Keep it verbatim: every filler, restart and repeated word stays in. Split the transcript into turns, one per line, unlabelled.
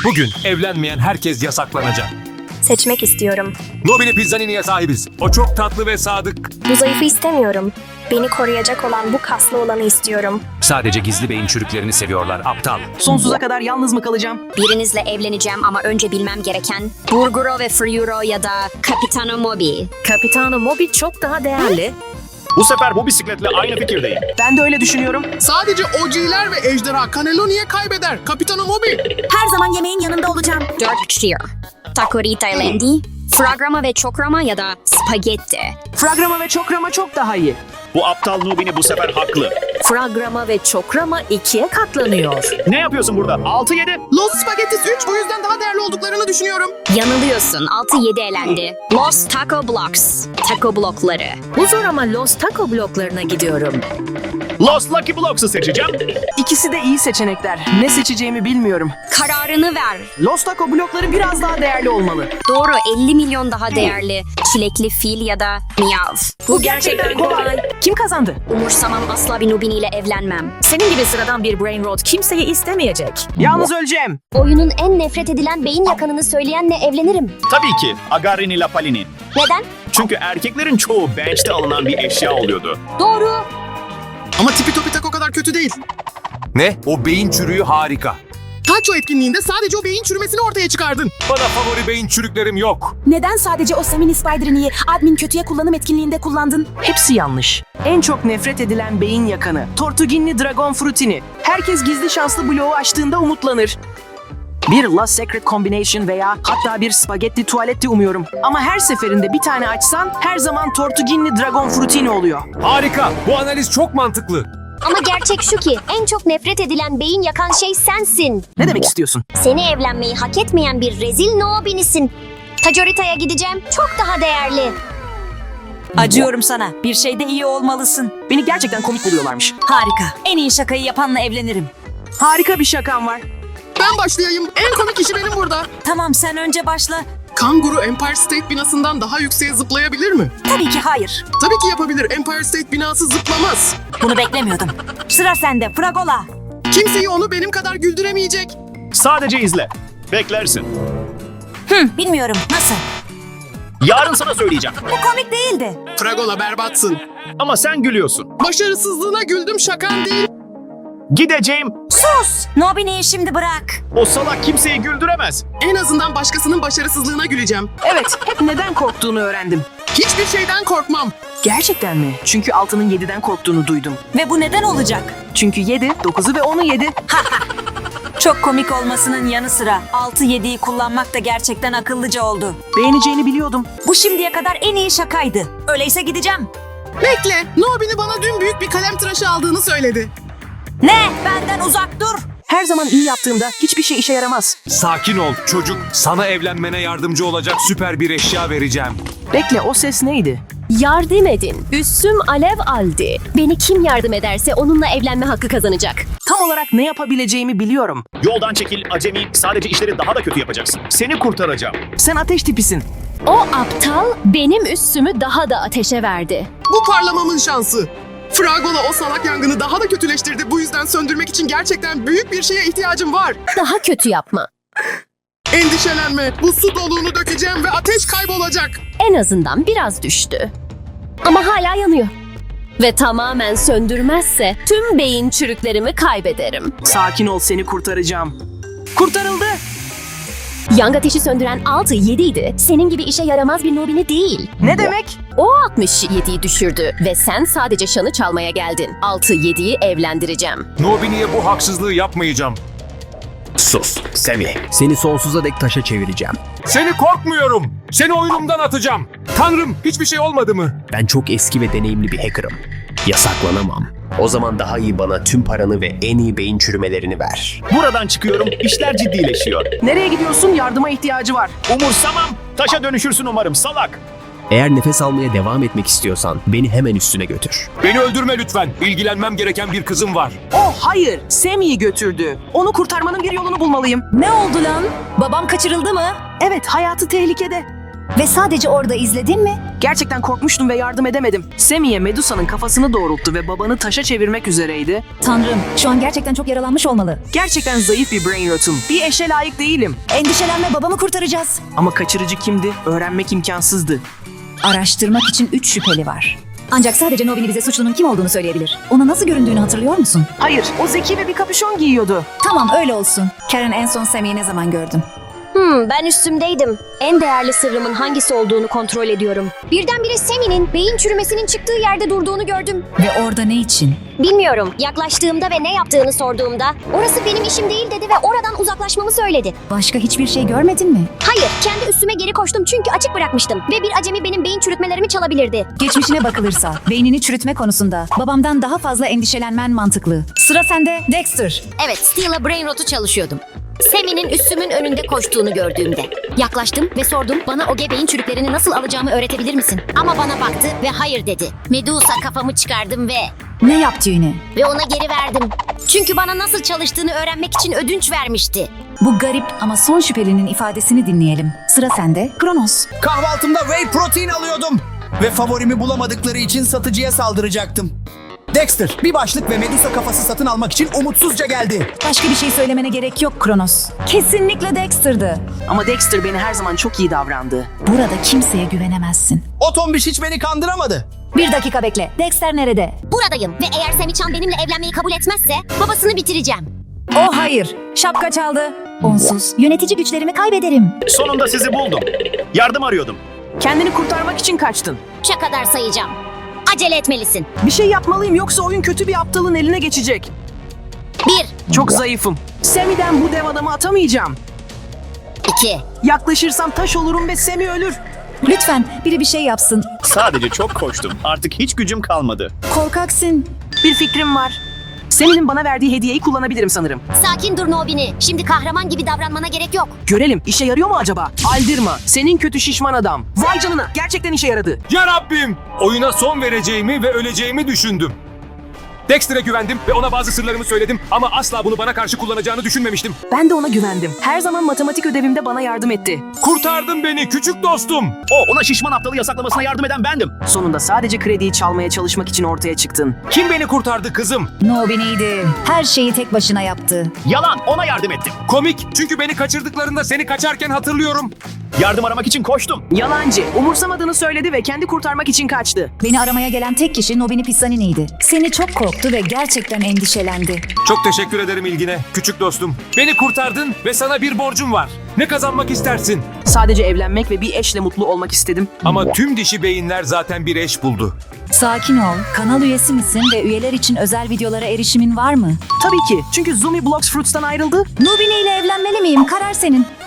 Bugün evlenmeyen herkes yasaklanacak.
Seçmek istiyorum.
Nobini Pizzanini'ye sahibiz. O çok tatlı ve sadık.
Bu zayıfı istemiyorum. Beni koruyacak olan bu kaslı olanı istiyorum.
Sadece gizli beyin çürüklerini seviyorlar, aptal.
Sonsuza kadar yalnız mı kalacağım?
Birinizle evleneceğim ama önce bilmem gereken Burguro ve Friuro ya da Capitano Mobi.
Capitano Mobi çok daha değerli.
Bu sefer bu bisikletle aynı fikirdeyim.
Ben de öyle düşünüyorum.
Sadece O G'ler ve Ejderha Cannelloni'ye kaybeder. Capitano Mobi.
Her zaman yemeğin yanında olacağım.
Dört tier. Takorita Lendi, Fragrama ve Çokrama ya da Spagetti.
Fragrama ve çokrama çok daha iyi.
Bu aptal Nubini bu sefer haklı.
Fragrama ve çokrama ikiye katlanıyor.
Ne yapıyorsun burada? altı yedi.
Los Spaghettis üç bu yüzden daha değerli olduklarını düşünüyorum.
Yanılıyorsun. altı yedi elendi. Los Taco Blocks. Taco blokları.
Bu zor ama Los Taco bloklarına gidiyorum.
Los Lucky Blocks'ı seçeceğim.
İkisi de iyi seçenekler. Ne seçeceğimi bilmiyorum.
Kararını ver.
Los Taco blokları biraz daha değerli olmalı.
Doğru, elli milyon daha değerli. Çilekli fil ya da miyav.
Bu gerçekten kolay.
Kim kazandı?
Umursamam, asla bir Nubini ile evlenmem.
Senin gibi sıradan bir brain rot kimseyi istemeyecek.
Yalnız öleceğim.
Oyunun en nefret edilen beyin yakanını söyleyenle evlenirim.
Tabii ki Agarini Lapalini.
Neden?
Çünkü erkeklerin çoğu bench'te alınan bir eşya oluyordu.
Doğru.
Ama tipi topi tak o kadar kötü değil.
Ne? O beyin çürüğü harika.
Taço etkinliğinde sadece o beyin çürümesini ortaya çıkardın.
Bana favori beyin çürüklerim yok.
Neden sadece o Semini Spider'ını admin kötüye kullanım etkinliğinde kullandın?
Hepsi yanlış. En çok nefret edilen beyin yakanı. Tortuginli Dragon Fruitini. Herkes gizli şanslı bloğu açtığında umutlanır. Bir Last Secret Combination veya hatta bir spagetti tuvaletti umuyorum. Ama her seferinde bir tane açsan her zaman Tortuginli Dragon Fruitini oluyor.
Harika. Bu analiz çok mantıklı.
Ama gerçek şu ki en çok nefret edilen beyin yakan şey sensin.
Ne demek istiyorsun?
Seni evlenmeyi hak etmeyen bir rezil Nobinisin. Tajorita'ya gideceğim. Çok daha değerli.
Acıyorum sana. Bir şeyde iyi olmalısın.
Beni gerçekten komik buluyorlarmış.
Harika. En iyi şakayı yapanla evlenirim.
Harika bir şakam var.
Ben başlayayım. En komik işi benim burada.
Tamam, sen önce başla.
Kanguru Empire State binasından daha yükseğe zıplayabilir mi?
Tabii ki hayır.
Tabii ki yapabilir. Empire State binası zıplamaz.
Bunu beklemiyordum. Sıra sende Fragola.
Kimseyi onu benim kadar güldüremeyecek.
Sadece izle. Beklersin.
Hı, bilmiyorum. Nasıl?
Yarın sana söyleyeceğim.
Bu komik değildi.
Fragola berbatsın.
Ama sen gülüyorsun.
Başarısızlığına güldüm, şakan değil.
Gideceğim.
Sus! Nobini'yi şimdi bırak.
O salak kimseyi güldüremez.
En azından başkasının başarısızlığına güleceğim.
Evet, hep neden korktuğunu öğrendim.
Hiçbir şeyden korkmam.
Gerçekten mi? Çünkü altının yediden korktuğunu duydum.
Ve bu neden olacak?
Çünkü yedi, dokuzu ve onu yedi.
Çok komik olmasının yanı sıra altı yediyi kullanmak da gerçekten akıllıca oldu.
Beğeneceğini biliyordum.
Bu şimdiye kadar en iyi şakaydı. Öyleyse gideceğim.
Bekle. Nobini bana dün büyük bir kalem tıraşı aldığını söyledi.
Ne? Benden uzak dur.
Her zaman iyi yaptığımda hiçbir şey işe yaramaz.
Sakin ol çocuk. Sana evlenmene yardımcı olacak süper bir eşya vereceğim.
Bekle, o ses neydi?
Yardım edin. Üssüm alev aldı. Beni kim yardım ederse onunla evlenme hakkı kazanacak.
Tam olarak ne yapabileceğimi biliyorum.
Yoldan çekil acemi. Sadece işleri daha da kötü yapacaksın. Seni kurtaracağım.
Sen ateş tipisin.
O aptal benim üssümü daha da ateşe verdi.
Bu parlamamın şansı. Fragola o salak yangını daha da kötüleştirdi. Bu yüzden söndürmek için gerçekten büyük bir şeye ihtiyacım var.
Daha kötü yapma.
Endişelenme. Bu su doluğunu dökeceğim ve ateş kaybolacak.
En azından biraz düştü. Ama hala yanıyor. Ve tamamen söndürmezse tüm beyin çürüklerimi kaybederim.
Sakin ol, seni kurtaracağım. Kurtarıldı.
Yang ateşi söndüren altı yedi idi. Senin gibi işe yaramaz bir Nobini değil.
Ne demek?
O altmış yediyi düşürdü ve sen sadece şanı çalmaya geldin. altı yediyi evlendireceğim.
Nobini'ye bu haksızlığı yapmayacağım.
Sus, Semih. Seni sonsuza dek taşa çevireceğim.
Seni korkmuyorum. Seni oyunumdan atacağım. Tanrım, hiçbir şey olmadı mı?
Ben çok eski ve deneyimli bir hacker'ım. Yasaklanamam. O zaman daha iyi bana tüm paranı ve en iyi beyin çürümelerini ver.
Buradan çıkıyorum. İşler ciddileşiyor.
Nereye gidiyorsun? Yardıma ihtiyacı var.
Umursamam. Taşa dönüşürsün umarım salak.
Eğer nefes almaya devam etmek istiyorsan beni hemen üstüne götür.
Beni öldürme lütfen. İlgilenmem gereken bir kızım var.
Oh hayır, Semi'yi götürdü. Onu kurtarmanın bir yolunu bulmalıyım.
Ne oldu lan? Babam kaçırıldı mı?
Evet, hayatı tehlikede.
Ve sadece orada izledin mi?
Gerçekten korkmuştum ve yardım edemedim. Semi'ye Medusa'nın kafasını doğrulttu ve babanı taşa çevirmek üzereydi.
Tanrım, şu an gerçekten çok yaralanmış olmalı.
Gerçekten zayıf bir brain rotum. Bir eşe layık değilim.
Endişelenme, babamı kurtaracağız.
Ama kaçırıcı kimdi? Öğrenmek imkansızdı.
Araştırmak için üç şüpheli var. Ancak sadece Nobini bize suçlunun kim olduğunu söyleyebilir. Ona nasıl göründüğünü hatırlıyor musun?
Hayır, o zeki ve bir kapüşon giyiyordu.
Tamam, öyle olsun. Karen, en son Semi'yi ne zaman gördün?
Hmm, ben üstümdeydim. En değerli sırrımın hangisi olduğunu kontrol ediyorum. Birdenbire Semi'nin beyin çürümesinin çıktığı yerde durduğunu gördüm.
Ve orada ne için?
Bilmiyorum. Yaklaştığımda ve ne yaptığını sorduğumda orası benim işim değil dedi ve oradan uzaklaşmamı söyledi.
Başka hiçbir şey görmedin mi?
Hayır, kendi üstüme geri koştum çünkü açık bırakmıştım ve bir acemi benim beyin çürütmelerimi çalabilirdi.
Geçmişine bakılırsa, beynini çürütme konusunda babamdan daha fazla endişelenmen mantıklı. Sıra sende, Dexter.
Evet, Steel'a brain rotu çalışıyordum. Semi'nin üstümün önünde koştuğunu gördüğümde. Yaklaştım ve sordum, bana o gebeğin çürüklerini nasıl alacağımı öğretebilir misin? Ama bana baktı ve hayır dedi. Medusa kafamı çıkardım ve...
Ne yaptı yine?
Ve ona geri verdim. Çünkü bana nasıl çalıştığını öğrenmek için ödünç vermişti.
Bu garip ama son şüphelinin ifadesini dinleyelim. Sıra sende, Kronos.
Kahvaltımda whey protein alıyordum. Ve favorimi bulamadıkları için satıcıya saldıracaktım. Dexter bir başlık ve Medusa kafası satın almak için umutsuzca geldi.
Başka bir şey söylemene gerek yok Kronos. Kesinlikle Dexter'dı.
Ama Dexter beni her zaman çok iyi davrandı.
Burada kimseye güvenemezsin.
O tombiş hiç beni kandıramadı.
Bir dakika bekle. Dexter nerede?
Buradayım ve eğer Semi-chan benimle evlenmeyi kabul etmezse babasını bitireceğim.
Oh hayır. Şapka çaldı. Onsuz yönetici güçlerimi kaybederim.
Sonunda sizi buldum. Yardım arıyordum.
Kendini kurtarmak için kaçtın.
Üçe kadar sayacağım. Acele etmelisin.
Bir şey yapmalıyım yoksa oyun kötü bir aptalın eline geçecek.
Bir,
Çok zayıfım. Semi'den bu dev adamı atamayacağım.
iki,
Yaklaşırsam taş olurum ve Semi ölür.
Lütfen biri bir şey yapsın.
Sadece çok koştum. Artık hiç gücüm kalmadı.
Korkaksın.
Bir fikrim var. Semi'nin bana verdiği hediyeyi kullanabilirim sanırım.
sakin dur Nobini. Şimdi kahraman gibi davranmana gerek yok.
Görelim işe yarıyor mu acaba? Aldirma, senin kötü şişman adam. Vay canına, gerçekten işe yaradı.
Ya Rabbim! Oyuna son vereceğimi ve öleceğimi düşündüm. Dexter'e güvendim ve ona bazı sırlarımı söyledim ama asla bunu bana karşı kullanacağını düşünmemiştim.
Ben de ona güvendim. Her zaman matematik ödevimde bana yardım etti.
Kurtardın beni küçük dostum.
O ona şişman aptalı yasaklamasına yardım eden bendim.
Sonunda sadece krediyi çalmaya çalışmak için ortaya çıktın.
Kim beni kurtardı kızım?
Nobini'ydi. Her şeyi tek başına yaptı.
Yalan, ona yardım ettim.
Komik çünkü beni kaçırdıklarında seni kaçarken hatırlıyorum.
Yardım aramak için koştum.
Yalancı, umursamadığını söyledi ve kendi kurtarmak için kaçtı.
Beni aramaya gelen tek kişi Nobini Pissanini'ydi. Seni çok korktu ve gerçekten endişelendi.
Çok teşekkür ederim ilgine küçük dostum. Beni kurtardın ve sana bir borcum var. Ne kazanmak istersin?
Sadece evlenmek ve bir eşle mutlu olmak istedim.
Ama tüm dişi beyinler zaten bir eş buldu.
Sakin ol. Kanal üyesi misin ve üyeler için özel videolara erişimin var mı?
Tabii ki, çünkü Zumi Blox Fruits'tan ayrıldı.
Nobini ile evlenmeli miyim? Karar senin.